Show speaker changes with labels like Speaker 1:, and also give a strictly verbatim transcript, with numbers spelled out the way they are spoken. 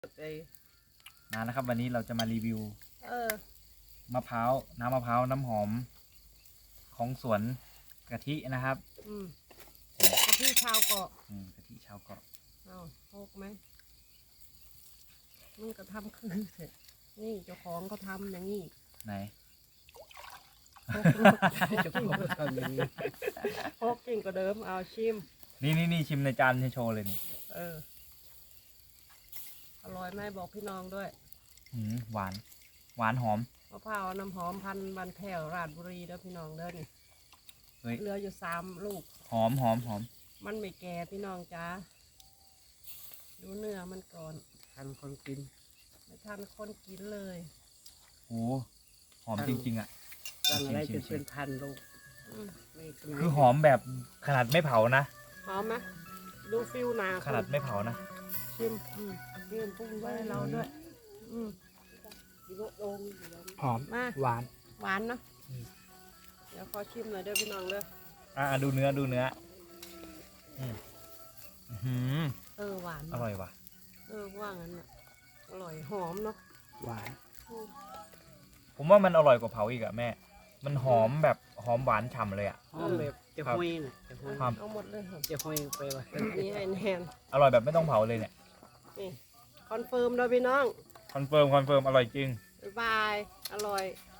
Speaker 1: มานะครับวันนี้เราจะมารีวิว
Speaker 2: เออ
Speaker 1: มะพร้าวน้ำมะพร้าวน้ำหอมของสวนกะทินะครับ
Speaker 2: อืมกะทิชาวเกาะ
Speaker 1: อืมกะทิชาวเกาะ
Speaker 2: เอาโกไหมมึงก็ทำคือเถอะนี่เจ้าของเขาทำอย่างนี้
Speaker 1: ไหน
Speaker 2: เจ้าของเขาทำอย่างนี้โคกจริงกว่าเดิมเอาชิม
Speaker 1: นี่นี่นี่ชิมในจานโชว์เลยนี่
Speaker 2: เอออร่อยไหมบอกพี่น้องด้วย
Speaker 1: หืมหวานหวานหอม
Speaker 2: มะพร้าวน้ำหอมพันธุ์บันแถวราชบุรีเด้อพี่น้องเด้อนี่
Speaker 1: เฮ้ย
Speaker 2: เหลืออยู่สามลูก
Speaker 1: หอมหอมหอม
Speaker 2: มันไม่แก่พี่น้องจ้าดูเนื้อมันก่อน
Speaker 3: ทันคนกิน
Speaker 2: ไม่ทันคนกินเลย
Speaker 1: โอ้หอมจริงๆอ่ะ
Speaker 3: ตั้งอะไร
Speaker 1: ชิ
Speaker 3: จะ
Speaker 1: มๆ
Speaker 3: เป็นพันลูก
Speaker 2: อืม
Speaker 3: ไม่เป็นไร
Speaker 1: คือหอมแบบขนาดไม่เผานะ
Speaker 2: หอมไหมดูฟิวหนา
Speaker 1: ขนาดไม่เผานะ
Speaker 2: ชิมอืมชิมปรุงไว้ให้เราด้วย อืม
Speaker 3: หอม
Speaker 2: มา
Speaker 3: หวาน
Speaker 2: หวานเนาะ
Speaker 3: อืม
Speaker 2: เดี๋ยวขอชิมหน่อยเด้อพี่น้องเด้อ
Speaker 1: อ่าดูเนื้อดูเนื้ออืมอื้อหือ
Speaker 2: เออหวาน
Speaker 1: อร่อยว่ะ
Speaker 2: เออว่างั้นอ่ะอร่อยหอมเนาะ
Speaker 3: หวาน
Speaker 2: อืม
Speaker 1: ผมว่ามันอร่อยกว่าเผาอีกอะแม่ มันหอมแบบหอมหวานฉ่ำเลยอะ
Speaker 3: หอมแบบจะห้อยน่ะจะห้อย
Speaker 1: ครับ
Speaker 2: เอาหมดเลยเหรอ
Speaker 3: จะห้อยไปว่า
Speaker 2: อันนี้ให้แนน
Speaker 1: อร่อยแบบไม่ต้องเผาเลยเนี่ย
Speaker 2: นี่คอนเฟิร์มเด้อพี่น้อง
Speaker 1: คอนเฟิร์มคอนเฟิร์มอร่อยจริง
Speaker 2: บ๊ายบาย อร่อย